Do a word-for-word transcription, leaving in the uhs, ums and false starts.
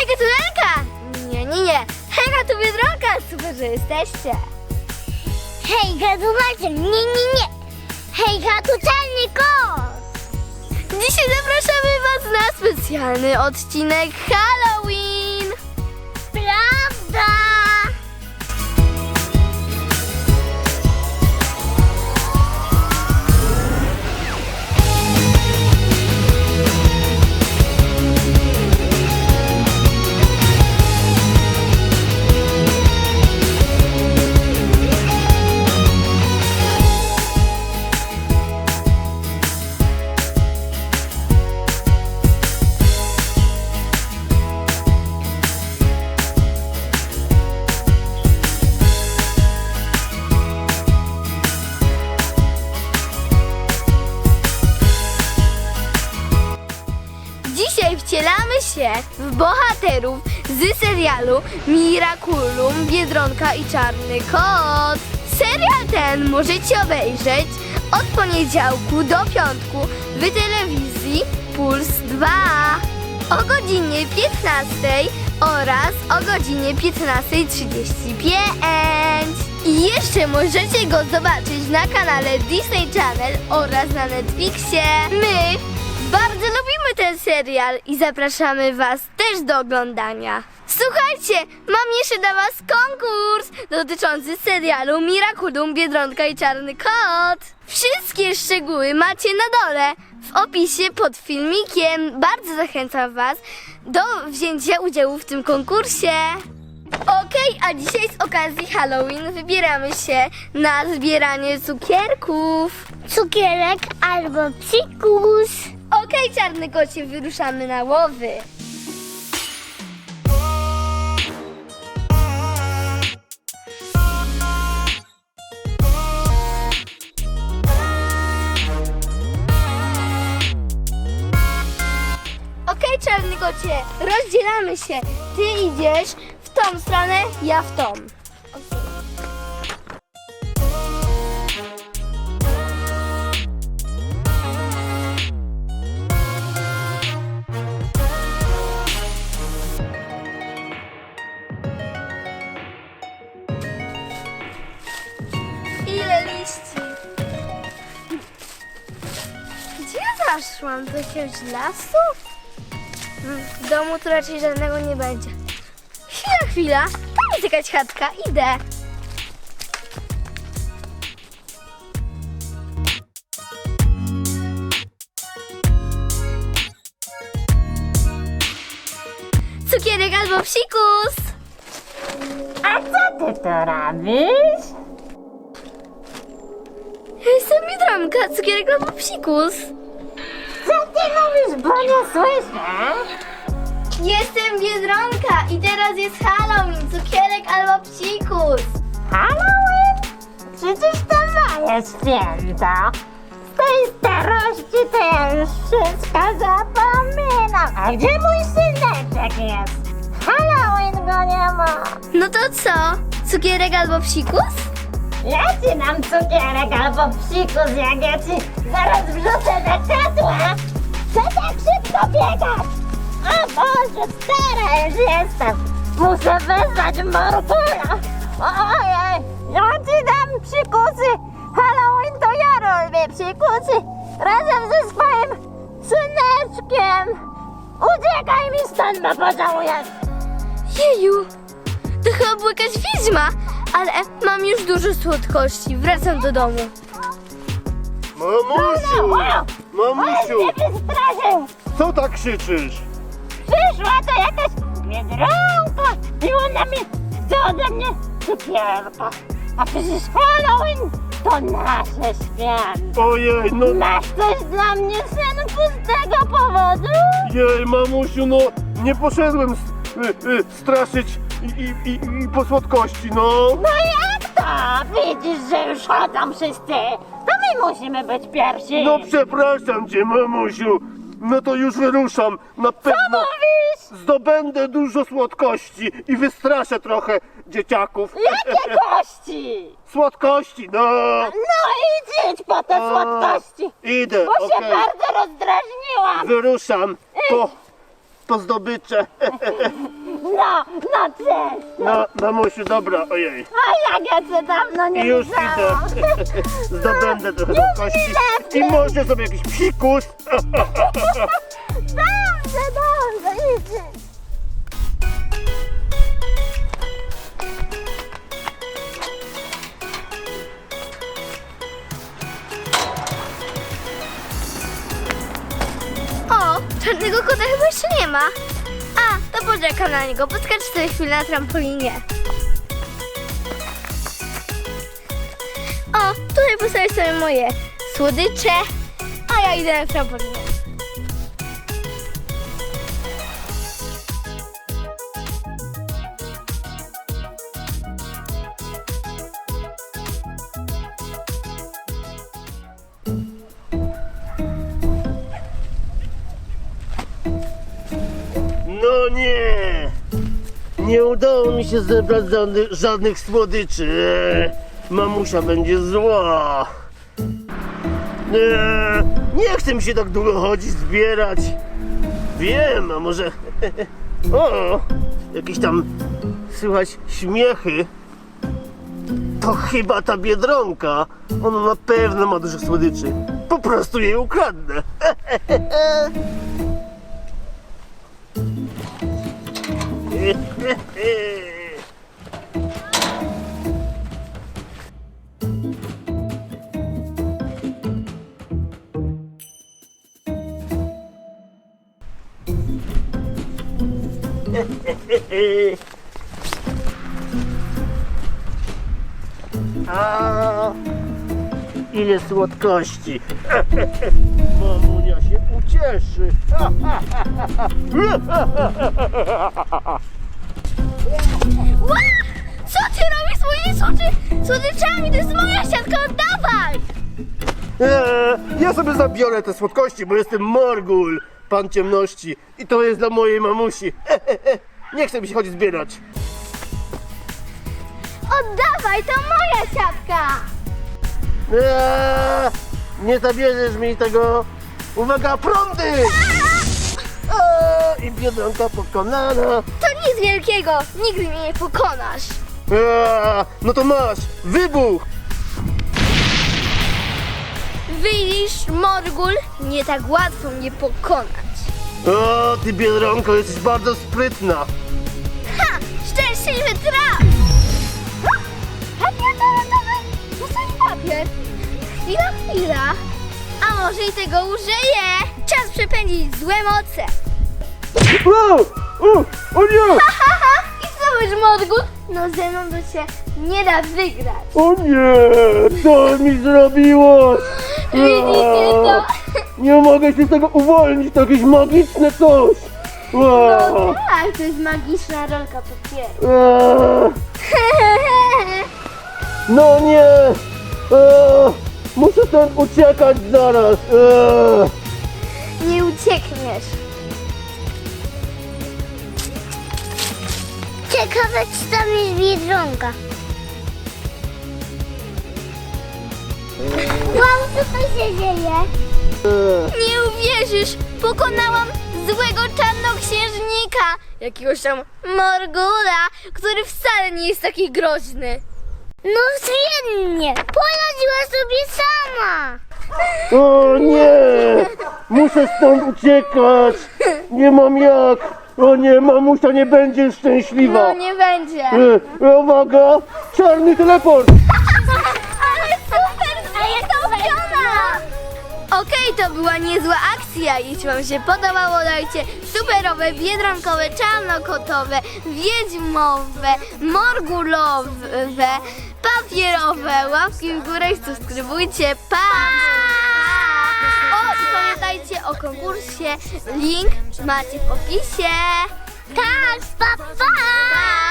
Hejka, tu Elka! Nie, nie, nie. Hejka, tu Biedronka. Super, że jesteście. Hejka, tu Maciek. Nie, nie, nie. Hejka, tu Czarny Kot. Dzisiaj zapraszamy was na specjalny odcinek Halloween. Prawda? Dzisiaj wcielamy się w bohaterów z serialu Miraculum, Biedronka i Czarny Kot. Serial ten możecie obejrzeć od poniedziałku do piątku w telewizji Puls dwa o godzinie piętnastej oraz o godzinie piętnastej trzydzieści pięć. I jeszcze możecie go zobaczyć na kanale Disney Channel oraz na Netflixie. My bardzo lubimy ten serial i zapraszamy was też do oglądania. Słuchajcie, mam jeszcze dla was konkurs dotyczący serialu Miraculum, Biedronka i Czarny Kot. Wszystkie szczegóły macie na dole w opisie pod filmikiem. Bardzo zachęcam was do wzięcia udziału w tym konkursie. Okej, a dzisiaj z okazji Halloween wybieramy się na zbieranie cukierków. Cukierek albo psikus. Okej, Czarny Kocie, wyruszamy na łowy. Okej, Czarny Kocie, rozdzielamy się. Ty idziesz w tą stronę, ja w tą. Ile liści? Gdzie ja zaszłam? Do jakiegoś lasu? W domu to raczej żadnego nie będzie. Chwila, chwila. Tam jest jakaś chatka. Idę. Cukierek albo psikus. A co ty tu robisz? Ja jestem Biedronka, cukierek albo psikus. Co ty mówisz, bo nie słyszę? Jestem Biedronka i teraz jest Halloween, cukierek albo psikus. Halloween? Przecież to moje święto. Z tej starości to ja już wszystko zapominam. A gdzie mój syneczek jest? Halloween go nie ma. No to co? Cukierek albo psikus? Ja ci dam cukierek albo psikus, jak ja ci zaraz wrzucę do czatła. Co tak szybko biegać? O Boże, stara już jestem. Muszę wezwać Morgula. Ojej, ja ci dam psikusy. Halloween to ja robię psikusy. Razem ze swoim syneczkiem. Uciekaj mi stąd, bo pożałujesz. Jeju, to chyba była jakaś wiedźma, ale mam już dużo słodkości. Wracam do domu. Mamusiu! Wow! Mamusiu! On mnie wystraszył. Co tak krzyczysz? Przyszła to jakaś Biedronka i ona mi chce ode mnie cukierka. A przecież Halloween to nasze święto. Ojej, no Masz coś dla mnie, synku, z tego powodu? jej, mamusiu, no nie poszedłem s- y, y, straszyć i, i, i, i po słodkości, no. No jak to? Widzisz, że już chodzą wszyscy. To my musimy być pierwsi. No przepraszam cię, mamusiu. No to już wyruszam. Na Co pewno mówisz? zdobędę dużo słodkości i wystraszę trochę dzieciaków. Jakie kości? Słodkości, no. No idź, idź po te A, słodkości. Idę, Bo się okej. bardzo rozdrażniłam. Wyruszam po po zdobycze. No, no cześć! No, mamusiu, dobra, ojej. A jak ja cię dawno nie I już widziałam. idę. Zdobędę trochę do kości. I może sobie jakiś psikus. Dobrze, dobrze, idź. O, czarnego kota chyba jeszcze nie ma. A, to poczekam na niego. Poskacz sobie chwilę na trampolinie. O, tutaj postawię sobie moje słodycze, a ja idę na trampolinę. No nie! Nie udało mi się zebrać żadnych, żadnych słodyczy. Eee, Mamusia będzie zła. Eee, Nie chcę mi się tak długo chodzić, zbierać. Wiem, a może... O! Jakieś tam słychać śmiechy. To chyba ta Biedronka. Ona na pewno ma dużo słodyczy. Po prostu jej ukradnę. A, ile słodkości. Mamunia się ucieszy. Ła! Co ty robisz z moimi słodzy- słodyczami? To jest moja siatka, oddawaj! Eee, ja sobie zabiorę te słodkości, bo jestem Morgul, pan ciemności. I to jest dla mojej mamusi. Nie chcę mi się chodzić zbierać. Oddawaj, to moja siatka! Eee, nie zabierzesz mi tego. Uwaga, prądy! Eee, I Biedronka pokonana. To nic wielkiego, nigdy mnie nie pokonasz. Eee, no to masz, wybuch! Widzisz, Morgul, nie tak łatwo mnie pokonać. O, ty Biedronko, jesteś bardzo sprytna. Ha! Szczęśliwy traf! Papier toaletowy! Zostań papier! Chwila, chwila! A może i tego użyję? Czas przepędzić złe moce! O, o, o nie! Ha, ha, ha! I co wiesz, Morgul? No ze mną to się nie da wygrać. O nie! Co mi zrobiło? Widzicie to? Nie mogę się z tego uwolnić, to jakieś magiczne coś! No tak, to jest magiczna rolka papieru. Eee, No nie! Eee, Muszę stąd uciekać zaraz! Eee. Nie uciekniesz. Ciekawe, czy tam jest Biedronka. Wow, co to się dzieje? Eee. Nie uwierzysz, pokonałam złego czarnoksiężnika, jakiegoś tam Morgula, który wcale nie jest taki groźny. No świetnie, poradziła sobie sama. O nie! Muszę stąd uciekać! Nie mam jak! O nie, mamusia nie będzie szczęśliwa! No nie będzie. E, uwaga! Czarny teleport! Ale super, a jest to Okej, to była niezła akcja. Jeśli wam się podobało, dajcie superowe, biedronkowe, czarnokotowe, wiedźmowe, morgulowe, papierowe łapki w górę i subskrybujcie. Pa! O, i pamiętajcie o konkursie. Link macie w opisie. Tak, pa, pa. Pa!